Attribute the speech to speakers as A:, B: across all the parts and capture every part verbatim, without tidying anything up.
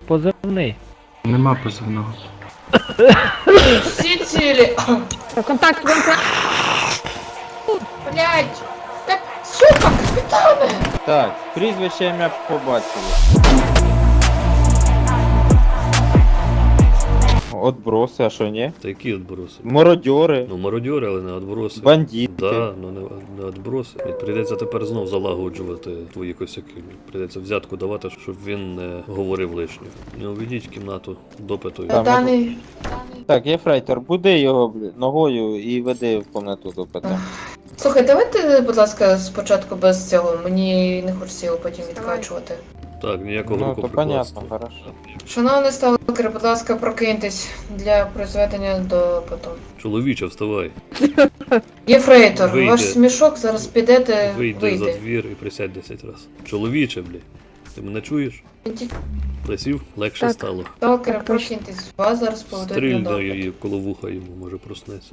A: Позивний.
B: Нема позивного.
C: Всі цілі.
D: Контакт, контакт.
C: Блять. Так, сука, капітане.
E: Так, прізвище ім'я побачили. Отброси, а що ні?
F: Та які відброси?
E: Мародьори,
F: Ну, мародьори, але не відброси.
E: бандити.
F: Да, ну не, не відброси. І прийдеться тепер знов залагоджувати твої косяки. Прийдеться взятку давати, щоб він не говорив лишнього. Не уведіть в кімнату допиту.
E: Там
C: Даний.
E: Так, Єфрейтор, буди його блін, ногою і веди в кімнату до пита.
C: Слухай, давайте, будь ласка, спочатку без цього. Мені не хочеться його потім відкачувати.
F: Так, ніякого
E: Ну, то
F: рукоприкладства.
E: понятно, хорошо.
C: Шановний сталкер, будь ласка, прокиньтесь для призведення до потом.
F: Чоловіче, вставай.
C: Єфрейтор,
F: Вийди.
C: ваш смішок зараз підете,
F: Вийди
C: вийде.
F: за двір і присядь десять разів. Чоловіче, блі. Ти мене чуєш? Присів, легше
D: Так.
F: стало.
C: Сталкер,
D: Так, точно.
C: прокиньтесь, вас зараз поведуть на
F: Стрільно
C: допит.
F: її коло вуха йому, може проснеться.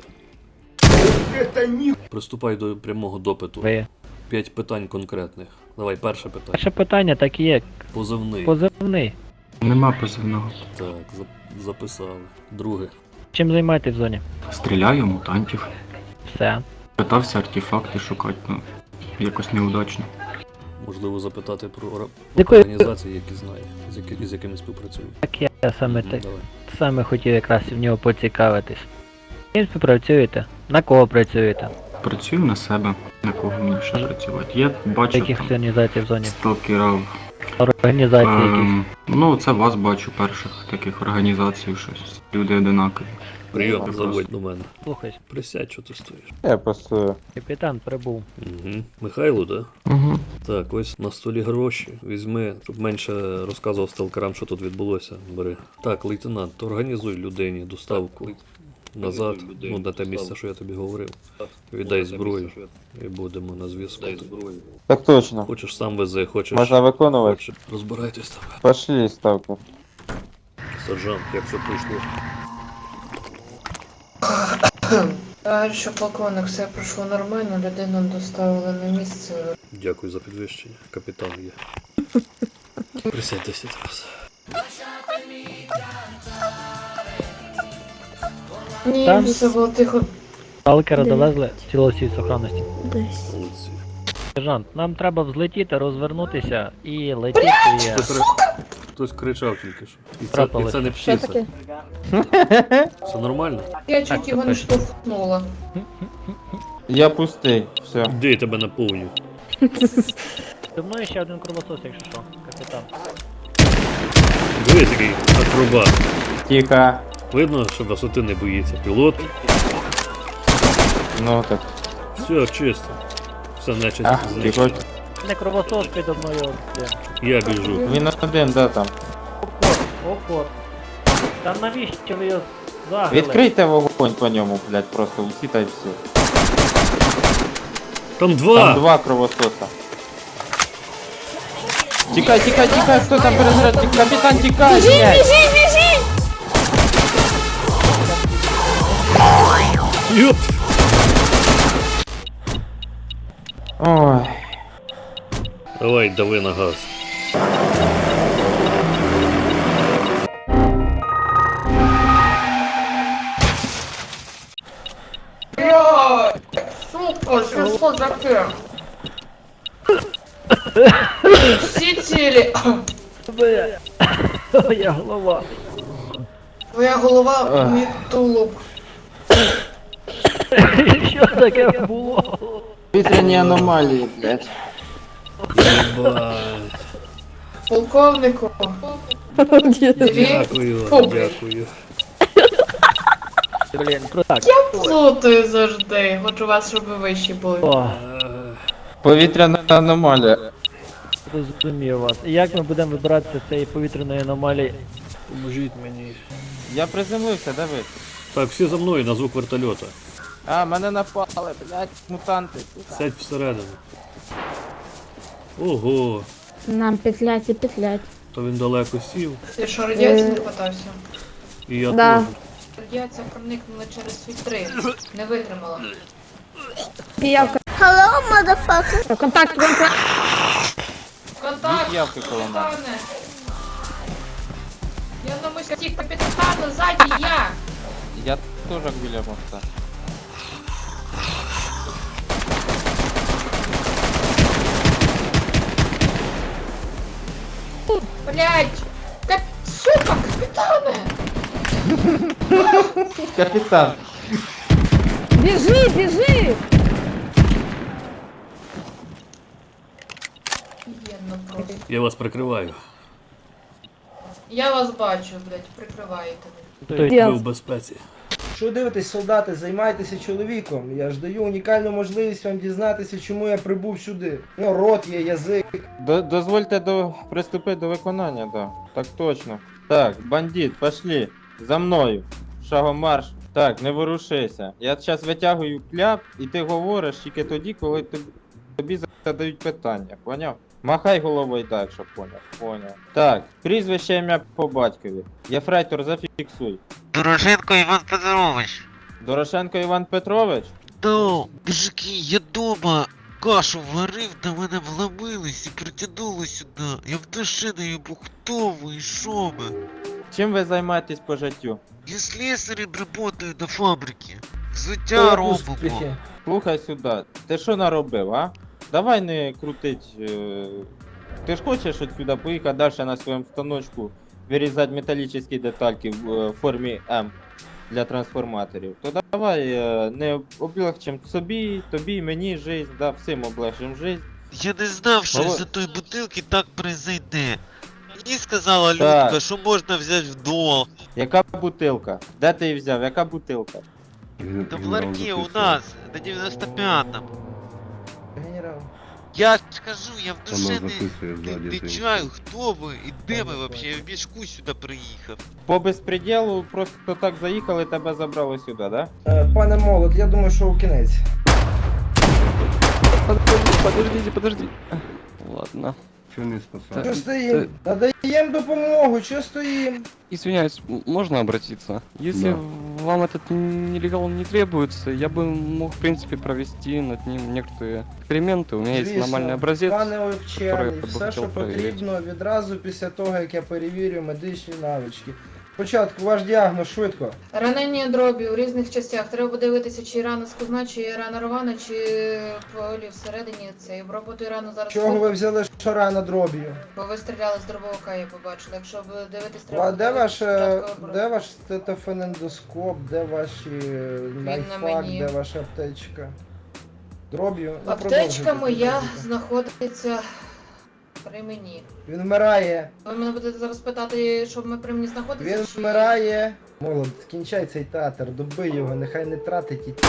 F: Приступай до прямого допиту.
A: Ви.
F: П'ять питань конкретних. Давай, перше питання.
A: Перше питання так і є.
F: Позивний.
A: Позивний.
B: Нема позивного.
F: Так, зап- записали. Друге.
A: Чим займаєтесь в зоні?
B: Стріляю мутантів.
A: Все.
B: Питався артефакти шукати, ну, якось неудачно.
F: Можливо, запитати про ора-
A: Якої-
F: організації, які знає, з, які, з якими співпрацює.
A: Так я саме
F: Мгм,
A: так.
F: Давай.
A: Саме хотів якраз в нього поцікавитись. З ким співпрацюєте? На кого працюєте?
B: Працюю на себе, на кого мені ще працювати. Я бачу
A: Яких
B: там
A: організацій в зоні?
B: сталкерів.
A: Організації якісь.
B: Ем, ну, це вас бачу перших таких організацій, щось. Люди одинакові.
F: Прийом,
B: Просто.
F: заводь до мене.
A: Слухай,
F: Присядь, що ти стоїш.
E: Я просто...
A: капітан прибув.
F: Угу. Михайло, да?
B: Угу.
F: Так, ось на столі гроші. Візьми, щоб менше розказував сталкерам, що тут відбулося. Бери. Так, лейтенант, організуй людині доставку назад, ну на те місце, що я тобі говорив. Віддай зброю і будемо на зв'язку.
E: Так точно.
F: Хочеш сам вези, хочеш.
E: Можна виконувати?
F: Хочеш. Розбирайтесь там.
E: Пошли, сталкер.
F: Сержант, як все пройшло.
C: Товаришу полковник, все пройшло нормально, людину доставили на місце.
F: Дякую за підвищення. Капітан є. Присядь десять раз.
C: Ні,
A: Там-
C: все було тихо.
A: Сталкера
D: Де?
A: довезли в цілості сохранності.
D: Десь.
F: Молодці.
A: Сержант, нам треба взлетіти, розвернутися і летіти.
F: Хтось, ри- Хтось кричав тільки що. І це, і
A: Трапилось.
F: це не
D: Що
F: птиця.
D: таке?
F: Все нормально?
C: Я чуть
A: Так,
C: його не
A: так.
C: штовхнула.
E: Я пустий, все.
F: Де я тебе наповню?
A: Зі мною ще один кровосос, якщо що, капітан.
F: Диви такий акробат.
E: Тихо.
F: Видно, що висоти не боїться. Пілот.
E: Ну так.
F: Все, чисто. Все нечисть
E: Ах,
F: знищено.
E: тихо.
A: Не кровосос підо мною.
F: Я біжу.
E: Він один, да, там.
A: Опор, опор. Та навіщо ви його заграли?
E: Відкрийте вогонь по ньому, блядь, просто усі та й все.
F: Там два!
E: Там два кровососа. Тікай, тікай, тікай, хто там перезаряд? Ті- Капітан, тікай, блядь!
F: Йоп!
E: Ой.
F: Давай, дави на газ.
C: Блядь! Сука, що що таке? Всі цілі.
A: Моя голова.
C: Твоя голова,
E: Ах.
C: мій тулуб.
A: Що таке було?
E: Вітряні аномалії, блядь.
F: Єбать.
C: Полковнику. Дві.
F: Дякую,
C: Фу, блядь.
F: дякую.
A: Блін, так.
C: Плутаю завжди. Хочу вас, щоб ви вищі були.
A: О,
F: Е,
E: Повітряна аномалія.
A: розумію вас. І як ми будемо вибиратися з цієї повітряної аномалії?
F: Поможіть мені.
E: Я приземлився, диви.
F: Так, всі за мною на звук вертольота.
E: А, мене напали, блядь, мутанти.
F: Сядь всередину. Ого,
D: Нам петлять і петлять.
F: то він далеко сів,
C: Ти що, радіації не хватався?
F: і я
D: Да.
F: теж.
C: Радіація проникнула через вітри. Не витримала.
D: Піявка. Hello, motherfucker. Контакт, контакт.
C: Контакт!
E: Явки коло мене.
C: Пане! кості капітана, ззаді я!
E: Я теж біля моста.
C: Блять! Кап... Сука, капітане!
E: Капітан!
D: Біжи, біжи!
C: Офігенно просто.
F: Я вас прикриваю.
C: Я вас бачу, блять, прикриваєте ви.
A: Той-
F: Ви в безпеці.
G: Що дивитесь, солдати, займайтеся чоловіком. Я ж даю унікальну можливість вам дізнатися, чому я прибув сюди. Ну, рот є, язик.
E: До- дозвольте до... приступити до виконання, да. Так точно. Так, бандит, пошли. За мною. Шагом марш. Так, не ворушися. Я зараз витягую кляп, і ти говориш тільки тоді, коли тобі, тобі задають питання. Поняв? Махай головою так, щоб поняв. Поняв. Так, прізвище ім'я по батькові. Єфрейтор, зафіксуй.
H: Дорошенко Іван Петрович.
E: Дорошенко Іван Петрович?
H: Да, мужики, я дома кашу варив, до мене вломились і притягнули сюди. Я в душі не їбу, хто ви і що ви?
E: Чим ви займаєтесь по життю?
H: Я слесарем работаю на фабриці. Взуття робимо.
G: Успіхи.
E: Слухай сюди, ти що наробив, а? Давай не крутить. Е... Ти ж хочеш от сюди поїхати далі на своєму станочку вирізати металічні детальки в е, формі М для трансформаторів. То давай е, не облегчим собі, тобі, мені жизнь, да, всім облегчим жизнь.
H: Я не знав, що
E: Мало-
H: з-за тої бутилки так произойде. Мені сказала
E: Так.
H: Людка, що можна взяти в долг.
E: Яка бутилка? Де ти її взяв? Яка бутилка?
H: Та в ларьке у нас, на дев'яносто п'ятому.
G: Генерал.
H: Я ж кажу, я в душе не, не, не чаю, хто ви і де ви вообще, я в мішку сюди приїхав.
E: По безпреділу просто так заїхали, тебе забрали сюди, да?
G: Е, Пане Молот, я думаю, що у кінець.
I: Подождите, подождите. Ладно.
J: Чего не спасать?
G: Що стоїм? Надаємо допомогу, що стоїм?
I: Извиняюсь, м- можно обратиться? Если
J: Да.
I: вам этот нелегал не требуется, я бы мог, в принципе, провести над ним некоторые эксперименты. У меня есть
G: Звісно.
I: нормальный образец.
G: Пане
I: который
G: Овчарний,
I: я бы
G: все, що
I: хотел проверить.
G: потрібно, відразу після того, як я перевірю медичні навички. Спочатку ваш діагноз швидко.
C: Ранення дробі у різних частях. Треба подивитися, чи рана скузна, чи рана рвана, чи полі всередині цей. Обробити рану зараз.
G: Чого ви
C: швидко,
G: взяли шарана дроб'ю?
C: Бо ви стріляли з дробовика, я побачила. Якщо ви дивитесь,
G: А
C: треба
G: де ваш, е,
C: спочатку обру-
G: де ваш стетофенендоскоп, де ваші е,
C: на
G: найфак,
C: мені.
G: де ваша аптечка? Дроб'ю. Ну,
C: Аптечка
G: продовжуйте,
C: моя
G: продовжуйте.
C: знаходиться при мені.
G: Він вмирає.
C: Ви мене будете зараз питати, що ми при мені знаходиться?
G: Він
C: чи-
G: вмирає. Молод, кінчай цей театр, добий його, нехай не тратить і ті.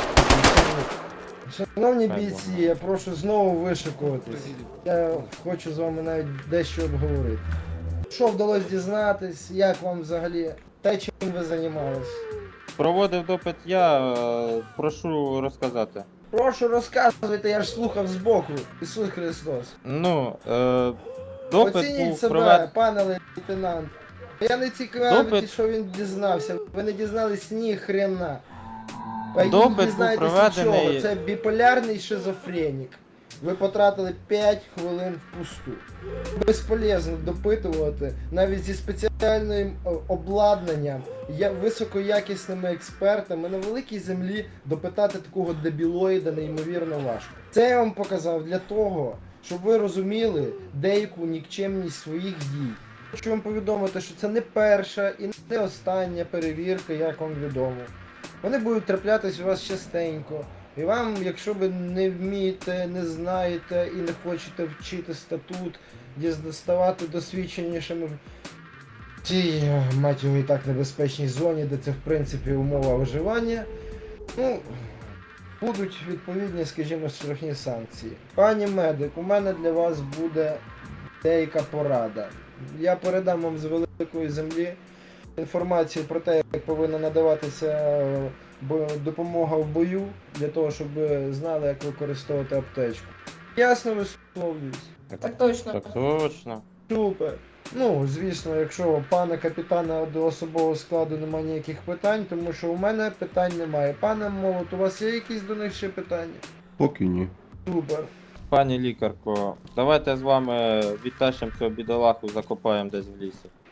G: Шановні
E: Так,
G: бійці,
E: ладно.
G: я прошу знову вишикуватись. Я хочу з вами навіть дещо обговорити. Що вдалося дізнатись, як вам взагалі, те, чим ви займались?
E: Проводив допит я, е, прошу розказати.
G: Прошу розказуйте, я ж слухав збоку. Ісус Христос.
E: Ну, е, допит
G: Оцініть
E: був
G: себе,
E: проведений.
G: пане лейтенант. Я не цікавий,
E: Допит-
G: що він дізнався. Ви не дізнались ні хрена. А
E: Допит
G: їй
E: був
G: дізнаєтесь
E: проведений-
G: нічого. Це біполярний шизофренік. Ви потратили п'ять хвилин впусту. Безполезно допитувати навіть зі спеціальним о, обладнанням, я- високоякісними експертами на великій землі допитати такого дебілоїда неймовірно важко. Це я вам показав для того, щоб ви розуміли деяку нікчемність своїх дій. Хочу вам повідомити, що це не перша і не остання перевірка, як вам відомо. Вони будуть траплятись у вас частенько. І вам, якщо ви не вмієте, не знаєте і не хочете вчити статут, діз- ставати досвідченішими в цій, е, мать його, і так небезпечній зоні, де це в принципі умова виживання, ну, будуть відповідні, скажімо, штрафні санкції. Пані медик, у мене для вас буде деяка порада. Я передам вам з великої землі інформацію про те, як повинна надаватися е, бо- допомога в бою, для того, щоб ви знали, як використовувати аптечку. Ясно висловлююсь?
C: Так точно.
E: Так точно.
G: Супер. Ну, звісно, якщо у пана капітана до особового складу немає ніяких питань, тому що у мене питань немає. Пане Молот, у вас є якісь до них ще питання?
J: Поки ні.
G: Супер.
E: Пані лікарко, давайте з вами відтащимо цього бідолаху, закопаємо десь в лісі.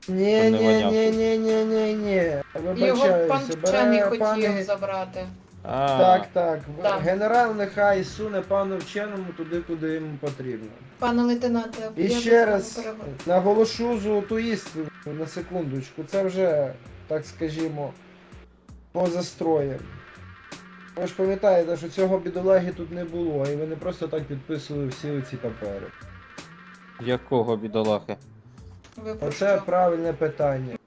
G: Ні,
E: Щоб не
G: ні,
E: воняв
G: ні,
E: тут.
G: ні, ні, ні, ні.
C: Його пан
G: Вибачаюся,
C: вчений
G: бере
C: хотів
G: пане...
C: забрати.
E: А,
G: Так, так.
C: Так.
G: Генерал нехай суне пану вченому туди, куди йому потрібно.
C: Пане лейтенанте,
G: І
C: я
G: ще
C: без
G: раз
C: того перебив.
G: наголошу золоту істину на секундочку. Це вже, так скажімо, поза строєм. Ви ж пам'ятаєте, що цього бідолаги тут не було, і ви не просто так підписували всі ці папери.
E: якого бідолахи?
C: Ви про
G: Оце
C: що?
G: правильне питання.